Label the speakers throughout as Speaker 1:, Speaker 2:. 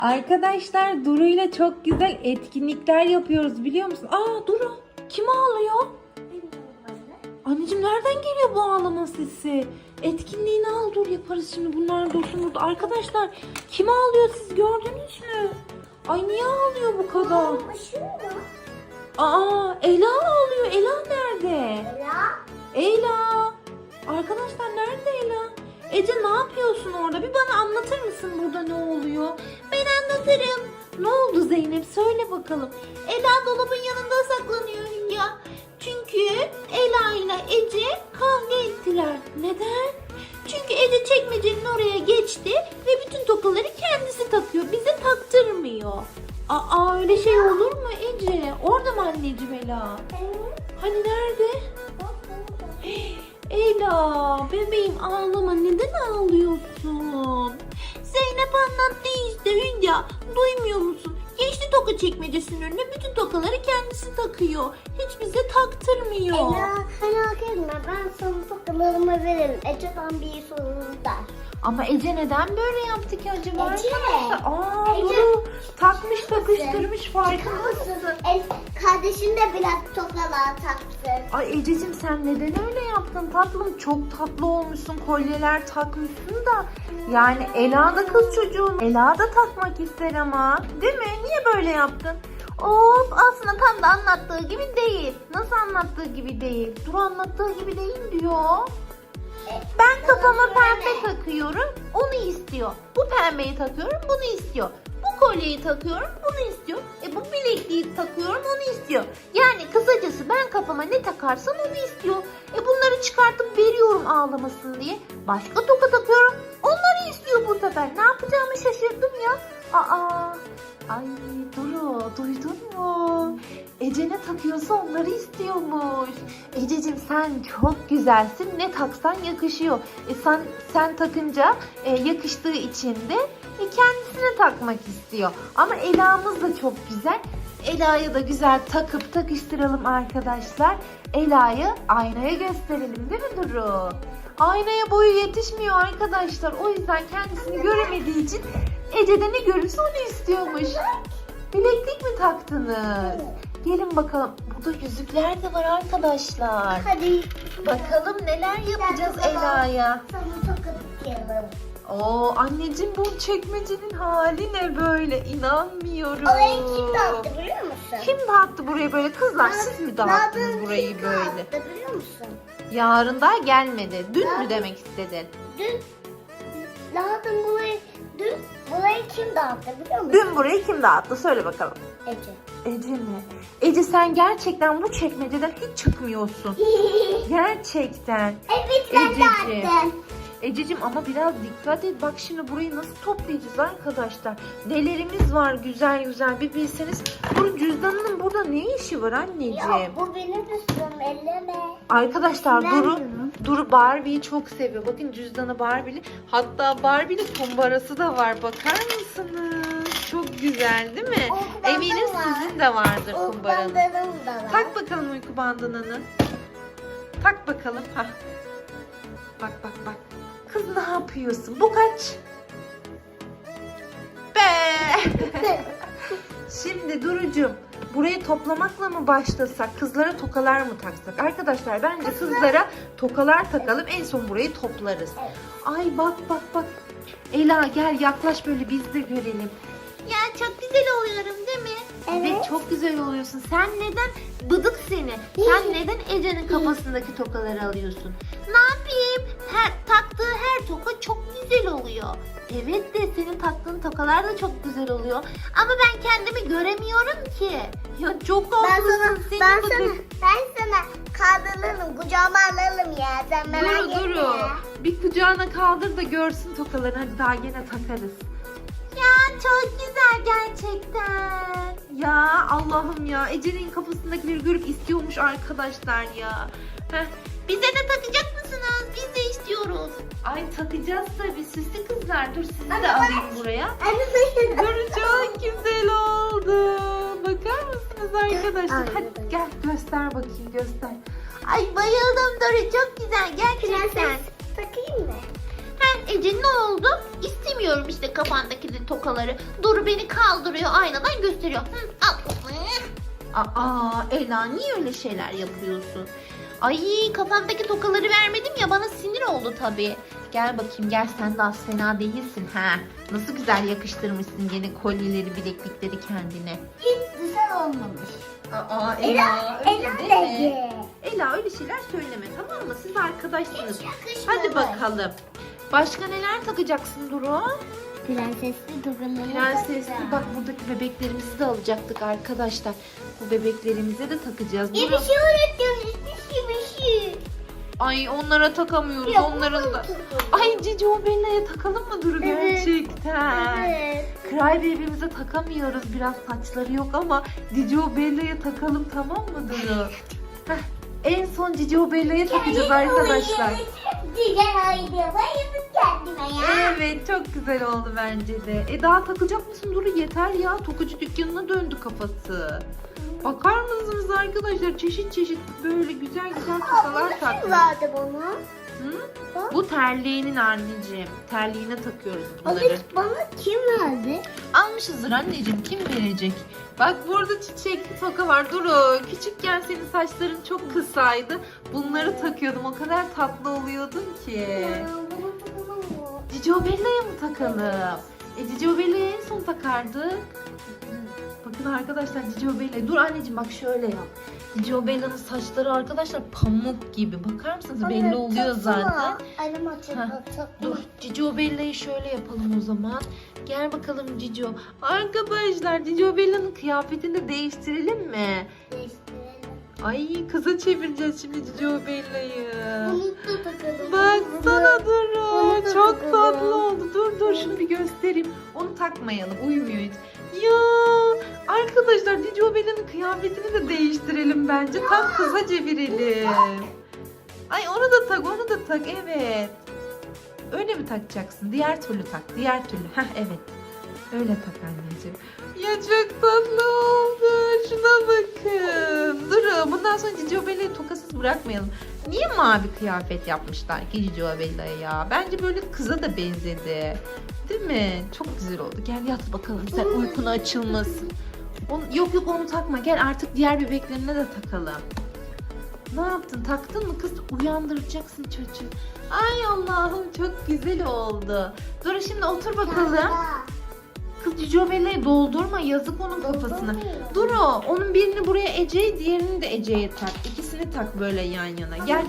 Speaker 1: Arkadaşlar Duru ile çok güzel etkinlikler yapıyoruz biliyor musun? Aa Duru kim ağlıyor? Anneciğim nereden geliyor bu ağlama sesi? Etkinliğini al dur yaparız şimdi bunlar dursun burada. Arkadaşlar kim ağlıyor siz gördünüz mü? Ay niye ağlıyor bu kadar? Aa Ela ağlıyor. Ela nerede? Ela. Arkadaşlar nerede Ela? Ece ne yapıyorsun orada? Bir bana anlatır mısın burada ne oluyor? Ben anlatırım. Ne oldu Zeynep? Söyle bakalım. Ela dolabın yanında saklanıyor Hülya. Çünkü Ela ile Ece kavga ettiler. Neden? Çünkü Ece çekmecenin oraya geçti ve bütün tokaları kendisi takıyor. Bize taktırmıyor. Aa öyle şey olur mu Ece? Orada mı anneciğim Ela? Hani nerede? Ela bebeğim ağlama, neden ağlıyorsun? Zeynep anlattı işte Hülya, duymuyor musun? Geçti toka çekmecesinin önüne, bütün tokaları kendisi takıyor. Hiç bize taktırmıyor.
Speaker 2: Ela merak etme, ben sana tokalarımı veririm. Ece'den bir sorun der.
Speaker 1: Ama Ece neden böyle yaptı ki acaba?
Speaker 2: Ece.
Speaker 1: Aa
Speaker 2: Ece.
Speaker 1: Duru takmış takıştırmış, farkında mısın?
Speaker 2: Kardeşin de biraz tokalar taktı.
Speaker 1: Ay Ececiğim sen neden öyle yaptın tatlım? Çok tatlı olmuşsun, kolyeler takmışsın da. Yani Ela da kız çocuğun. Ela da takmak ister ama. Değil mi? Niye böyle yaptın? Of aslında tam da anlattığı gibi değil. Nasıl anlattığı gibi değil? Dur anlattığı gibi değil diyor. Ben kafama pembe takıyorum, onu istiyor. Bu pembeyi takıyorum, bunu istiyor. Bu kolyeyi takıyorum, bunu istiyor. Bu bilekliği takıyorum, onu istiyor. Yani kısacası ben kafama ne takarsam onu istiyor. Bunları çıkartıp veriyorum ağlamasın diye. Başka toka takıyorum, onları istiyor bu sefer. Ne yapacağımı şaşırdım ya. Ay Duru, duydun mu? Ece ne takıyorsa onları istiyormuş. Ececiğim sen çok güzelsin. Ne taksan yakışıyor. Sen takınca yakıştığı için de kendisine takmak istiyor. Ama Ela'mız da çok güzel. Ela'ya da güzel takıp takıştıralım arkadaşlar. Ela'yı aynaya gösterelim değil mi Duru? Aynaya boyu yetişmiyor arkadaşlar. O yüzden kendisini göremediği için Ece de ne görürse onu istiyormuş. Bileklik mi taktınız? Gelin bakalım. Burada yüzükler de var arkadaşlar.
Speaker 2: Hadi.
Speaker 1: Bakalım neler yapacağız Ela'ya.
Speaker 2: Sana toka takıyorum.
Speaker 1: Oo anneciğim bu çekmecenin hali ne böyle? İnanmıyorum.
Speaker 2: Orayı kim dağıttı biliyor musun?
Speaker 1: Kim dağıttı burayı böyle? Kızlar siz mi dağıttınız burayı böyle?
Speaker 2: Dağıttı biliyor musun?
Speaker 1: Yarın daha gelmedi. Dün mü demek istedin?
Speaker 2: Dün burayı kim dağıttı biliyor musun?
Speaker 1: Dün burayı kim dağıttı? Söyle bakalım.
Speaker 2: Ece.
Speaker 1: Ece mi? Ece sen gerçekten bu çekmeceden hiç çıkmıyorsun. Gerçekten.
Speaker 2: Evet ben
Speaker 1: Ececiğim.
Speaker 2: dağıttım.
Speaker 1: Ececiğim ama biraz dikkat et. Bak şimdi burayı nasıl toplayacağız arkadaşlar? Nelerimiz var güzel güzel bir bilseniz. Bunun cüzdanının burada ne işi var anneciğim?
Speaker 2: Ya bu benim üstüm elleme.
Speaker 1: Arkadaşlar
Speaker 2: Ben
Speaker 1: Duru Barbie'yi çok seviyor. Bakın cüzdanı Barbie'li. Hatta Barbie'li kumbarası da var. Bakar mısınız? Çok güzel değil mi?
Speaker 2: O kumbarası
Speaker 1: Eminim
Speaker 2: var.
Speaker 1: sizin de vardır
Speaker 2: O
Speaker 1: kumbaranız.
Speaker 2: bandanım da var.
Speaker 1: Tak bakalım uyku bandınanı. Tak bakalım. Hah. Bak. Kız ne yapıyorsun? Bu kaç? Be. Şimdi Duru'cum burayı toplamakla mı başlasak? Kızlara tokalar mı taksak? Arkadaşlar bence kızlara tokalar takalım. En son burayı toplarız.
Speaker 2: Evet.
Speaker 1: Ay bak. Ela gel yaklaş böyle biz de görelim. Ya çok güzel oluyorum değil mi?
Speaker 2: Evet.
Speaker 1: Çok güzel oluyorsun. Sen neden bıdık seni? Sen neden Ece'nin kafasındaki tokaları alıyorsun? Ne yapayım? Taktığı her toka çok güzel oluyor. Evet de senin taktığın tokalar da çok güzel oluyor. Ama ben kendimi göremiyorum ki. Ya çok haklısın.
Speaker 2: Ben sana kaldırırım, kucağıma alırım ya. Sen merak etme.
Speaker 1: Duru. Bir kucağına kaldır da görsün tokalarını. Hadi daha gene takarız. Ya çok güzel gerçekten. Ya Allah'ım ya. Ece'nin kafasındakileri görüp istiyormuş arkadaşlar ya. Bize de takacak mısınız? Biz de istiyoruz. Ay takacağız tabii. Süslü kızlar. Dur sizi de alayım buraya. Dur çok güzel oldu. Bakar mısınız arkadaşlar? Hadi gel göster bakayım göster. Ay bayıldım Duru. Çok güzel gerçekten.
Speaker 2: Takayım mı?
Speaker 1: Ece ne oldu? İstemiyor
Speaker 3: takamıyorum işte kafandaki tokaları. Duru beni kaldırıyor, aynadan gösteriyor. Hı, al. Aa Ela, niye öyle şeyler yapıyorsun? Ay, kafamdaki tokaları vermedim ya, bana sinir oldu tabii. Gel bakayım, gel, sen de az fena değilsin ha. Nasıl güzel yakıştırmışsın gene kolyeleri, bileklikleri kendine.
Speaker 2: Hiç güzel olmamış.
Speaker 3: Aa
Speaker 2: Ela dedi.
Speaker 3: Ela, öyle şeyler söyleme, tamam mı? Siz arkadaşsınız.
Speaker 2: Hiç yakışmadı.
Speaker 3: Hadi bakalım. Başka neler takacaksın Duru?
Speaker 2: Prensesli dokuları.
Speaker 3: Prensesli, bak buradaki bebeklerimizi de alacaktık arkadaşlar. Bu bebeklerimize de takacağız.
Speaker 2: Bir
Speaker 3: Duru.
Speaker 2: şey öğreteceğim. Bir şey.
Speaker 3: Ay, onlara takamıyoruz,
Speaker 2: Ya,
Speaker 3: onların
Speaker 2: bunu
Speaker 3: da.
Speaker 2: takalım.
Speaker 3: Ay, Cici Bella'ya takalım mı Duru,
Speaker 2: Evet.
Speaker 3: gerçekten?
Speaker 2: Evet.
Speaker 3: Cry Baby'mize takamıyoruz, biraz saçları yok ama Cici Bella'ya takalım, tamam mı Duru? Heh, en son Cici Bella'ya takacağız arkadaşlar.
Speaker 2: Güzel haydi. Bayıldım kendime ya.
Speaker 3: Evet, çok güzel oldu bence de. Daha takacak mısın Duru? Yeter ya, tokucu dükkanına döndü kafası. Bakar mısınız arkadaşlar, çeşit çeşit böyle güzel güzel tokalar
Speaker 2: Kim
Speaker 3: takmış.
Speaker 2: verdi bana?
Speaker 3: Hı? Bu terliğinin anneciğim. Terliğine takıyoruz bunları.
Speaker 2: Bana kim verdi?
Speaker 3: Almışızdır anneciğim, kim verecek? Bak, burada çiçekli toka var Duru. Küçükken senin saçların çok kısaydı. Bunları takıyordum, o kadar tatlı oluyordun ki.
Speaker 2: Bunu takalım mı?
Speaker 3: Cici Bella'ya mı takalım? Cici Bella'ya en son takardık. Bakın arkadaşlar, Cici Bella. Dur anneciğim, bak şöyle yap. Cici Bella'nın saçları arkadaşlar pamuk gibi. Bakar mısınız? Belli oluyor zaten.
Speaker 2: Annem
Speaker 3: Heh,
Speaker 2: açık.
Speaker 3: Dur, Cici Bella'yı şöyle yapalım o zaman. Gel bakalım Cici. Arkadaşlar, Cici Bella'nın kıyafetini de değiştirelim mi? Ay, kıza çevireceğiz şimdi Cici Bella'yı.
Speaker 2: Bunu da takalım.
Speaker 3: Baksana Duru.
Speaker 2: Onu da
Speaker 3: Çok
Speaker 2: takalım.
Speaker 3: tatlı oldu. Dur şunu bir göstereyim. Onu takmayalım. Uyumuyor hiç. Ya arkadaşlar, Cici Bella'nın kıyafetini de değiştirelim bence. Tam kıza çevirelim. Ay, onu da tak. Evet. Öyle mi takacaksın? Diğer türlü tak. Diğer türlü. Heh, evet. Öyle tak anneciğim. Ya çok tatlı oldu. Şuna bakın. Durun. Bundan sonra Cici Bella'yı tokasız bırakmayalım. Niye mavi kıyafet yapmışlar ki Cici Bella'ya ya? Bence böyle kıza da benzedi. Değil mi? Çok güzel oldu. Gel yat bakalım. Sen uykun açılmasın. Yok onu takma. Gel artık diğer bebeklerine de takalım. Ne yaptın? Taktın mı kız? Uyandıracaksın çocuğu. Ay Allah'ım, çok güzel oldu. Dur şimdi otur bakalım. Kız, Cici Bella'yı doldurma, yazık onun kafasına. Dur, onun birini buraya Ece'ye, diğerini de Ece'ye tak. İkisini tak böyle yan yana. Gel.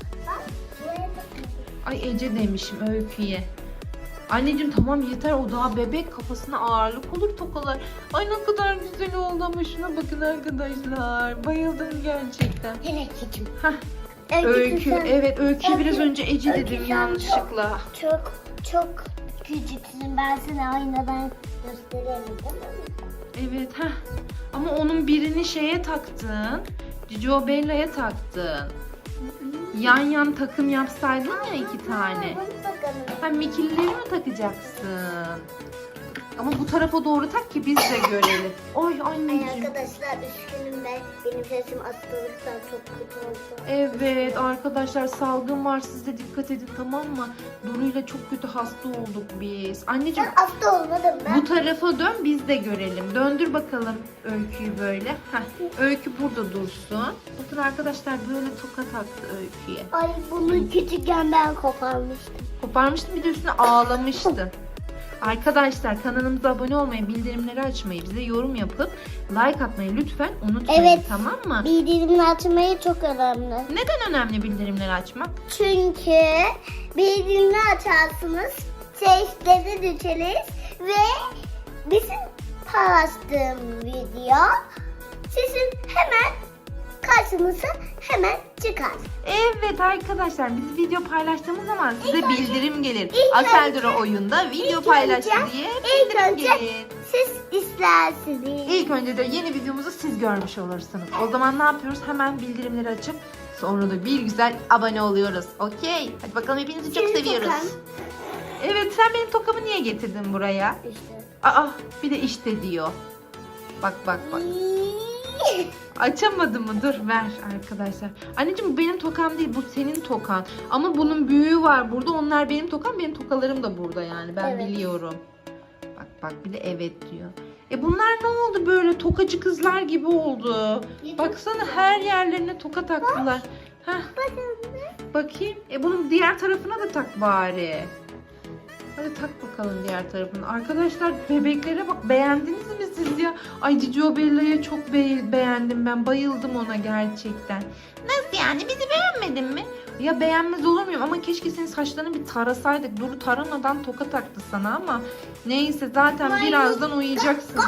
Speaker 3: Ay, Ece demişim, Öykü'ye. Anneciğim tamam yeter, o daha bebek, kafasına ağırlık olur tokalar. Ay, ne kadar güzel oldu ama şuna bakın arkadaşlar. Bayıldım gerçekten. Heh, Öykü, evet Öykü'ye biraz önce Ece
Speaker 2: Öykü,
Speaker 3: dedim
Speaker 2: sen
Speaker 3: yanlışlıkla.
Speaker 2: Çok küçüksün. Ben sana aynadan gösterelim, değil mi?
Speaker 3: Evet, heh. Ama onun birini şeye taktın. Cici Bella'ya taktın. Yan yan takım yapsaydın ya, 2 tane.
Speaker 2: Bunu takalım.
Speaker 3: Ha, Mickey'leri mi takacaksın? Ama bu tarafa doğru tak ki biz de görelim. Oy
Speaker 2: Ay
Speaker 3: anneciğim.
Speaker 2: arkadaşlar, üzgünüm ben. Benim sesim hastalıktan çok kötü oldu.
Speaker 3: Evet arkadaşlar, salgın var, siz de dikkat edin, tamam mı? Duru'yla çok kötü hasta olduk biz. Anneciğim,
Speaker 2: Ben hasta olmadım ben.
Speaker 3: bu tarafa dön, biz de görelim. Döndür bakalım Öykü'yü böyle. Heh, Öykü burada dursun. Bakın arkadaşlar, böyle toka taktı Öykü'ye.
Speaker 2: Ay, bunu küçükken ben koparmıştım.
Speaker 3: Koparmıştın, bir de üstüne ağlamıştın. Arkadaşlar, kanalımıza abone olmayı, bildirimleri açmayı, bize yorum yapıp like atmayı lütfen unutmayın,
Speaker 2: Evet.
Speaker 3: tamam mı?
Speaker 2: Bildirimleri açmayı çok önemli.
Speaker 3: Neden önemli bildirimleri açmak?
Speaker 2: Çünkü bildirimleri açarsınız, sesleri düşeriz ve bizim paylaştığım video sizin hemen karşınıza hemen çıkar.
Speaker 3: Evet arkadaşlar, biz video paylaştığımız zaman size
Speaker 2: İlk önce-
Speaker 3: bildirim gelir.
Speaker 2: ilk
Speaker 3: Aseldora oyunda video paylaştı diye
Speaker 2: ilk
Speaker 3: bildirim
Speaker 2: önce
Speaker 3: gelir.
Speaker 2: siz istersiniz.
Speaker 3: İlk önce de yeni videomuzu siz görmüş olursunuz. O zaman ne yapıyoruz? Hemen bildirimleri açıp sonra da bir güzel abone oluyoruz. Okey. Hadi bakalım, hepinizi çok
Speaker 2: Senin
Speaker 3: seviyoruz.
Speaker 2: tokan.
Speaker 3: Evet, sen benim tokamı niye getirdin buraya?
Speaker 2: İşte.
Speaker 3: Aa, bir de işte diyor. Bak. Açamadı mı? Dur ver arkadaşlar. Anneciğim bu benim tokam değil, bu senin tokan. Ama bunun büyüğü var burada. Onlar benim tokam, benim tokalarım da burada yani. Ben
Speaker 2: Evet.
Speaker 3: biliyorum. Bak bir de evet diyor. Bunlar ne oldu böyle? Tokacı kızlar gibi oldu. Baksana her yerlerine toka taktılar. Heh. Bakayım. Bunun diğer tarafına da tak bari. Hadi tak bakalım diğer tarafını. Arkadaşlar bebeklere bak, beğendiniz mi siz ya? Ay Cicio Bella'ya çok beğendim ben. Bayıldım ona gerçekten. Nasıl yani, bizi beğenmedin mi? Ya beğenmez olur muyum, ama keşke senin saçlarını bir tarasaydık. Duru taramadan toka taktı sana ama. Neyse zaten birazdan uyuyacaksınız.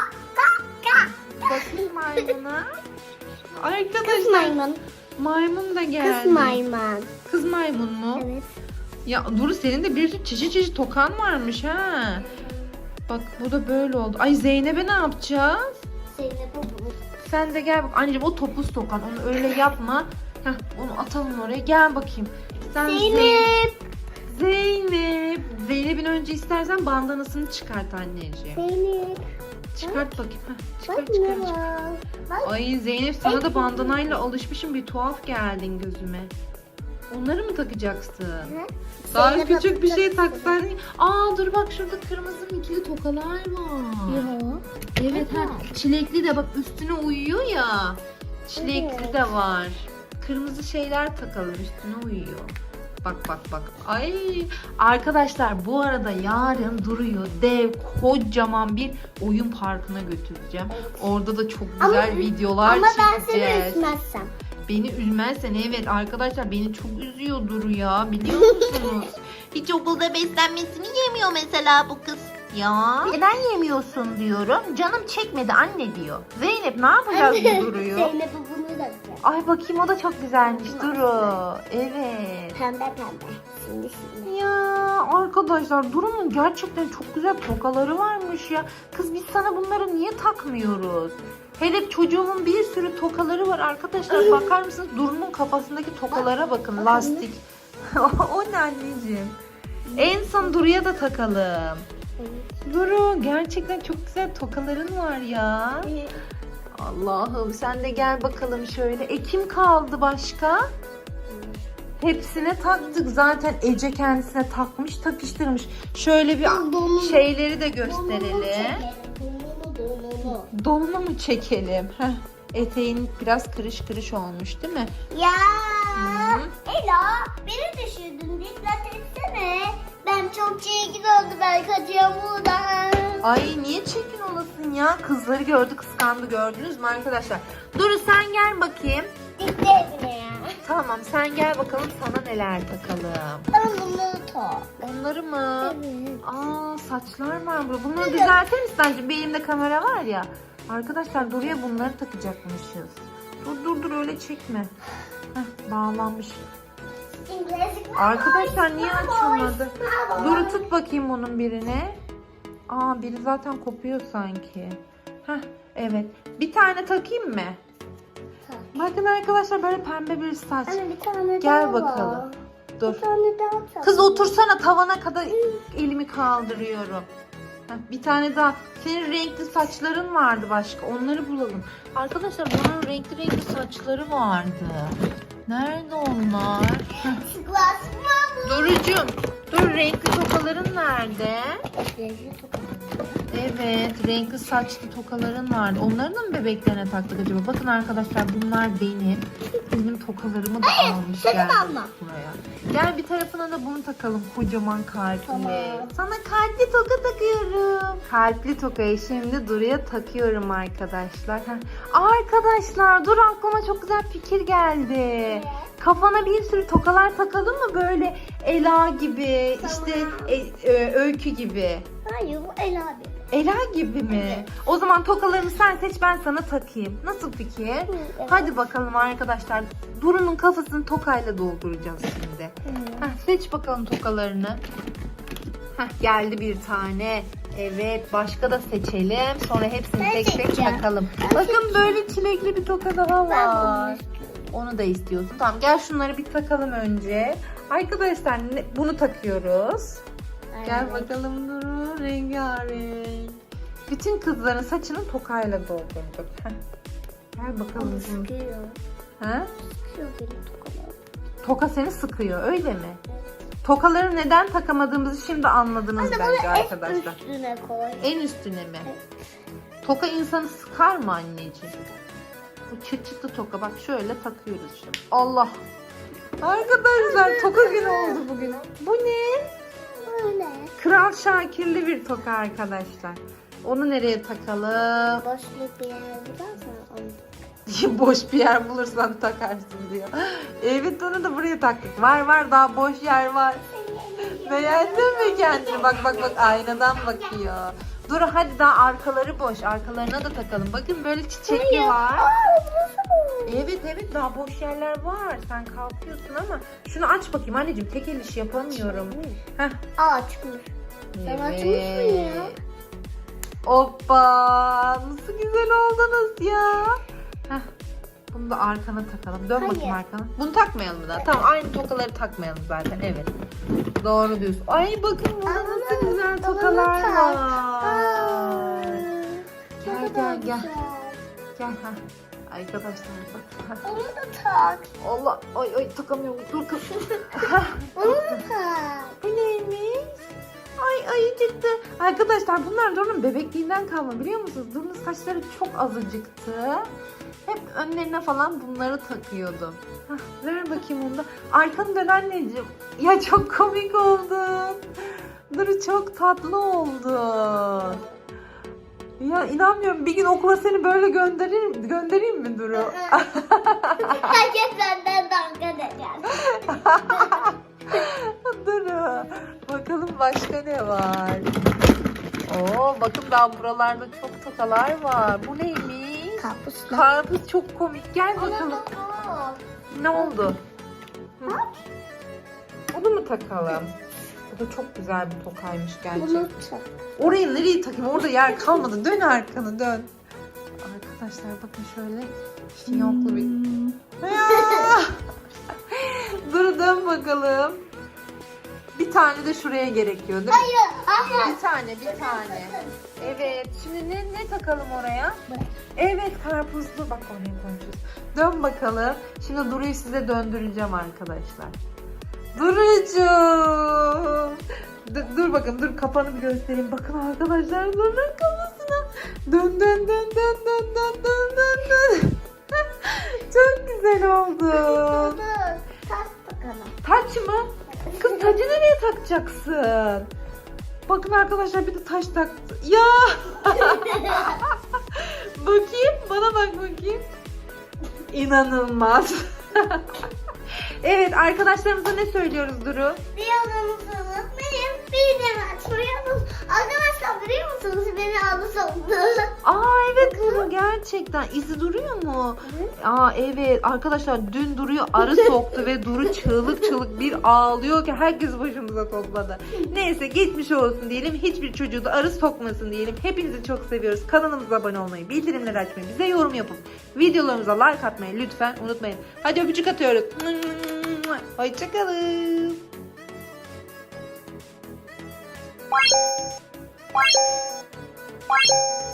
Speaker 3: Bakayım maymuna. Arkadaşlar
Speaker 2: Kız maymun.
Speaker 3: maymun da geldi.
Speaker 2: Kız maymun.
Speaker 3: Kız maymun mu?
Speaker 2: Evet.
Speaker 3: Ya Duru senin de bir sürü çeşit tokan varmış ha. Bak bu da böyle oldu. Ay Zeynep'e ne yapacağız?
Speaker 2: Zeynep bu.
Speaker 3: Sen de gel bak. Anneciğim o topuz tokan. Onu öyle yapma. Heh, onu atalım oraya. Gel bakayım. Sen
Speaker 2: Zeynep.
Speaker 3: Zeynep'in önce istersen bandanasını çıkart anneciğim.
Speaker 2: Zeynep.
Speaker 3: Çıkart bakayım. Heh, çıkart
Speaker 2: Bak ne
Speaker 3: çıkart.
Speaker 2: var. Bak.
Speaker 3: Ay Zeynep, sana da bandanayla alışmışım, bir tuhaf geldin gözüme. Onları mı takacaksın? Daha
Speaker 2: Zeynep'e
Speaker 3: küçük bir şey
Speaker 2: takacaksın.
Speaker 3: taksaydın. Aa dur bak, şurada kırmızı ikili tokalar var.
Speaker 2: Yok.
Speaker 3: Evet ha, çilekli de bak üstüne uyuyor ya. Çilekli
Speaker 2: Evet.
Speaker 3: de var. Kırmızı şeyler takalım, üstüne uyuyor. Bak. Ay arkadaşlar, bu arada yarın Duru'yu dev kocaman bir oyun parkına götüreceğim. Orada da çok güzel
Speaker 2: Ama-
Speaker 3: videolar
Speaker 2: Ama ben seni
Speaker 3: çekeceğiz.
Speaker 2: üzmezsem.
Speaker 3: Beni üzmezsen, evet arkadaşlar, beni çok üzüyor Duru ya, biliyor musunuz? Hiç okulda beslenmesini yemiyor mesela bu kız. Ya neden yemiyorsun diyorum. Canım çekmedi anne diyor. Zeynep ne yapacağız bu Duru'yu?
Speaker 2: Zeynep bunu da güzel.
Speaker 3: Ay bakayım, o da çok güzelmiş Duru. Evet.
Speaker 2: Pembe. Şimdi.
Speaker 3: Ya arkadaşlar, Duru'nun gerçekten çok güzel tokaları varmış ya. Kız biz sana bunları niye takmıyoruz? Hele çocuğumun bir sürü tokaları var arkadaşlar. Bakar mısınız? Duru'nun kafasındaki tokalara bakın. Lastik. O ne anneciğim? En son Duru'ya da takalım. Duru, gerçekten çok güzel tokaların var ya. Allah'ım, sen de gel bakalım şöyle. Kim kaldı başka? Hepsine taktık. Zaten Ece kendisine takmış, takıştırmış. Şöyle bir şeyleri de gösterelim. Donunu mu çekelim? Heh. Eteğin biraz kırış olmuş değil mi?
Speaker 2: Ya
Speaker 3: Hı.
Speaker 2: Ela, beni düşürdün. Dikkat etsene. Ben çok çirkin oldu, ben kaçıyorum buradan.
Speaker 3: Ay niye çirkin olasın ya? Kızları gördü, kıskandı, gördünüz mü arkadaşlar? Duru sen gel bakayım.
Speaker 2: Dikkat etme ya.
Speaker 3: Tamam, sen gel bakalım, sana neler takalım.
Speaker 2: Ben bunu tak.
Speaker 3: Onları mı?
Speaker 2: Evet.
Speaker 3: Aa, saçlar var burada. Bunları düzeltir misin bence? Bir elimde kamera var ya. Arkadaşlar Duru'ya bunları takacakmışız. Dur öyle çekme. Heh, bağlanmış. Arkadaşlar niye açılmadı? Duru tut bakayım bunun birini. Aa, biri zaten kopuyor sanki. Heh, evet. Bir tane takayım mı? Bakın arkadaşlar, böyle pembe bir saç.
Speaker 2: Anne bir tane
Speaker 3: Gel
Speaker 2: daha
Speaker 3: bakalım.
Speaker 2: var.
Speaker 3: Dur.
Speaker 2: Bir tane daha tak.
Speaker 3: Kız otursana, tavana kadar elimi kaldırıyorum. Heh, bir tane daha. Senin renkli saçların vardı başka. Onları bulalım. Arkadaşlar bunun renkli saçları vardı. Nerede onlar? Durucuğum, dur, renkli tokaların nerede? Evet, renkli saçlı tokaların vardı. Onları da mı bebeklerine taktık acaba? Bakın arkadaşlar, bunlar benim tokalarımı da almış
Speaker 2: sakın
Speaker 3: geldi
Speaker 2: alma.
Speaker 3: buraya. Gel bir tarafına da bunu takalım, kocaman kalpli.
Speaker 2: Tamam.
Speaker 3: Sana kalpli toka takıyorum. Kalpli tokayı şimdi Duru'ya takıyorum arkadaşlar. Arkadaşlar dur, aklıma çok güzel fikir geldi. Kafana bir sürü tokalar takalım mı, böyle Ela gibi, işte Öykü gibi.
Speaker 2: Hayır, bu Ela abi.
Speaker 3: Ela gibi mi? O zaman tokalarını sen seç, ben sana takayım. Nasıl fikir?
Speaker 2: Evet.
Speaker 3: Hadi bakalım arkadaşlar. Duru'nun kafasını tokayla dolduracağız şimdi. Seç bakalım tokalarını. Geldi bir tane. Evet, başka da seçelim. Sonra hepsini
Speaker 2: Ben
Speaker 3: tek tek
Speaker 2: seçeceğim.
Speaker 3: takalım.
Speaker 2: Ben
Speaker 3: Bakın
Speaker 2: seçeceğim.
Speaker 3: böyle çilekli bir toka daha
Speaker 2: Ben
Speaker 3: var. Onu da istiyorsun. Tamam, gel şunları bir takalım önce. Arkadaşlar bunu takıyoruz. Gel bakalım Duru, rengarenk. Bütün kızların saçını tokayla doldurduk.
Speaker 1: Gel bakalım.
Speaker 2: Sıkıyor.
Speaker 1: Ha?
Speaker 2: Sıkıyor beni tokalar.
Speaker 1: Toka seni sıkıyor öyle mi? Tokaları neden takamadığımızı şimdi anladınız bence arkadaşlar.
Speaker 2: Üstüne koy.
Speaker 1: En üstüne mi? Toka insanı sıkar mı anneciğim? Bu çıt çıtlı toka bak şöyle takıyoruz şimdi. Allah! Arkadaşlar toka günü oldu bugün. Bu ne?
Speaker 2: Böyle.
Speaker 1: Kral Şakirli bir toka arkadaşlar. Onu nereye takalım?
Speaker 2: Boşluk bir yer bulursan onu.
Speaker 1: Boş bir yer bulursan takarsın diyor. Evet onu da buraya taktık. Var daha boş yer var. Beğendin mi kendini? Bak aynadan bakıyor. Dur hadi daha arkaları boş. Arkalarına da takalım. Bakın böyle çiçekli var. Evet daha boş yerler var. Sen kalkıyorsun ama şunu aç bakayım anneciğim. Tek el işi yapamıyorum. Heh.
Speaker 2: Açmış. Sen açmış mı ya?
Speaker 1: Hoppa! Nasıl güzel oldunuz ya. Heh. Bunu da arkana takalım. Dön
Speaker 2: Hayır.
Speaker 1: bakayım arkana. Bunu takmayalım da. Tamam aynı tokaları takmayalım zaten. Evet. Doğru diyorsun. Ay bakın burada nasıl güzel tokalar var. Gel. Gel ha. Arkadaşlar bak.
Speaker 2: Onu da tak.
Speaker 1: Allah. Ay takamıyorum. Dur kız.
Speaker 2: Onu da tak.
Speaker 1: Bu neymiş? Ay çıktı. Arkadaşlar bunlar Duru'nun bebekliğinden kalma biliyor musunuz? Duru'nun saçları çok azıcıktı. Hep önlerine falan bunları takıyordu. Hah, ver bakayım onu da. Arkanı dön anneciğim. Ya çok komik oldun. Duru çok tatlı oldun. Ya inanmıyorum bir gün okula seni böyle göndereyim mi Duru?
Speaker 2: Herkes benden dalga geçer.
Speaker 1: Duru. Bakalım başka ne var? Oo bakın daha buralarda çok tokalar var. Bu neymiş?
Speaker 2: Karpuzlar.
Speaker 1: Karpuz çok komik. Gel bakalım. Ne oldu? Hı? Bunu mu takalım? Bu da çok güzel bir tokaymış
Speaker 2: Bunu
Speaker 1: gerçekten.
Speaker 2: tak.
Speaker 1: Orayı nereye takayım? Orada yer kalmadı. Dön arkanı dön. Arkadaşlar bakın şöyle fiyonklu bir... Ya! Dur dön bakalım. Bir tane de şuraya gerekiyor değil mi?
Speaker 2: Hayır.
Speaker 1: Bir tane. Evet. Şimdi ne takalım oraya? Evet karpuzlu. Bak oraya koymuşuz. Dön bakalım. Şimdi Duru'yu size döndüreceğim arkadaşlar. Duru'cuğum. Dur bakın dur kafanı bir göstereyim. Bakın arkadaşlar Duru'nun kafasına. Dön. Çok güzel oldu.
Speaker 2: Tas takalım.
Speaker 1: Taç mı? Kız tacı nereye takacaksın? Bakın arkadaşlar bir de taş taktı. Ya! Bakayım bana bak bakayım. İnanılmaz. Evet arkadaşlarımıza ne söylüyoruz Duru?
Speaker 2: Biliyorsunuz benim bildiğimi açmayı arkadaşlar biliyor musunuz beni aldı soktu.
Speaker 1: Aa evet Duru gerçekten izi duruyor mu? Aa evet arkadaşlar dün Duru'yu arı soktu ve Duru çığlık bir ağlıyor ki herkes başımıza topladı. Neyse geçmiş olsun diyelim. Hiçbir çocuğu da arı sokmasın diyelim. Hepinizi çok seviyoruz. Kanalımıza abone olmayı, bildirimleri açmayı, bize yorum yapıp videolarımıza like atmayı lütfen unutmayın. Hadi öpücük atıyoruz. Hoşçakalın.